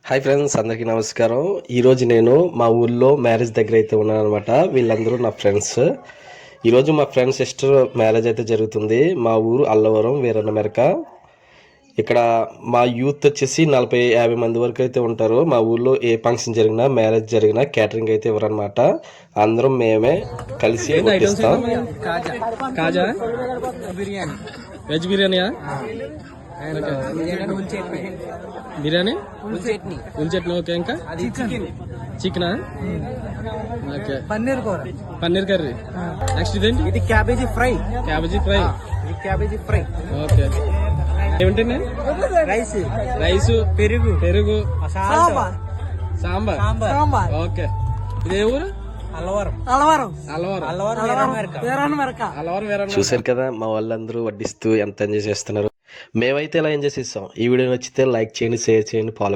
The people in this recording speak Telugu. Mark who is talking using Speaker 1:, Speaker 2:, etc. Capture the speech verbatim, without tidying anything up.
Speaker 1: హాయ్ ఫ్రెండ్స్, అందరికీ నమస్కారం. ఈరోజు నేను మా ఊళ్ళో మ్యారేజ్ దగ్గర అయితే ఉన్నాను అనమాట. వీళ్ళందరూ నా ఫ్రెండ్స్. ఈరోజు మా ఫ్రెండ్ సిస్టర్ మ్యారేజ్ అయితే జరుగుతుంది. మా ఊరు అల్లవరం వీరన్న మెరక. ఇక్కడ మా యూత్ వచ్చేసి నలభై యాభై మంది వరకు అయితే ఉంటారు. మా ఊళ్ళో ఏ ఫంక్షన్ జరిగినా మ్యారేజ్ జరిగినా క్యాటరింగ్ అయితే ఇవ్వరనమాట. అందరం మేమే కలిసి వడ్డిస్తాం.
Speaker 2: కాజా బిర్యానీ వెజ్ బిర్యానీయా బిర్యానీ ఉల్ చట్నీ ఓకే. ఇంకా చికెనా ఓకే.
Speaker 3: పన్నీర్ కూర,
Speaker 2: పన్నీర్ కర్రీ. నెక్స్ట్ ఇదేంటి?
Speaker 3: ఇది క్యాబేజీ ఫ్రై.
Speaker 2: Cabbage fry.
Speaker 3: ఇది క్యాబేజీ ఫ్రై.
Speaker 2: ఓకే. ఏమిటండి?
Speaker 3: రైస్,
Speaker 2: రైస్,
Speaker 3: పెరుగు,
Speaker 2: పెరుగు,
Speaker 3: సాంబార్.
Speaker 2: సాంబార్.
Speaker 3: సాంబార్.
Speaker 2: ఓకే. ఇదే ఊరు?
Speaker 3: అల్లవరం. అల్లవరం.
Speaker 2: అల్లవరం.
Speaker 3: అల్లవరం వీరన్న మెరక.
Speaker 2: అల్లవరం వీరన్న.
Speaker 1: చూశారు కదా మా వాళ్ళందరూ వడ్డిస్తూ ఎంత ఎంజాయ్ చేస్తున్నారు. మేమైతే ఇలా ఎంజాయ్ చేస్తాం. ఈ వీడియో నచ్చితే లైక్ చేయండి, షేర్ చేయండి, ఫాలో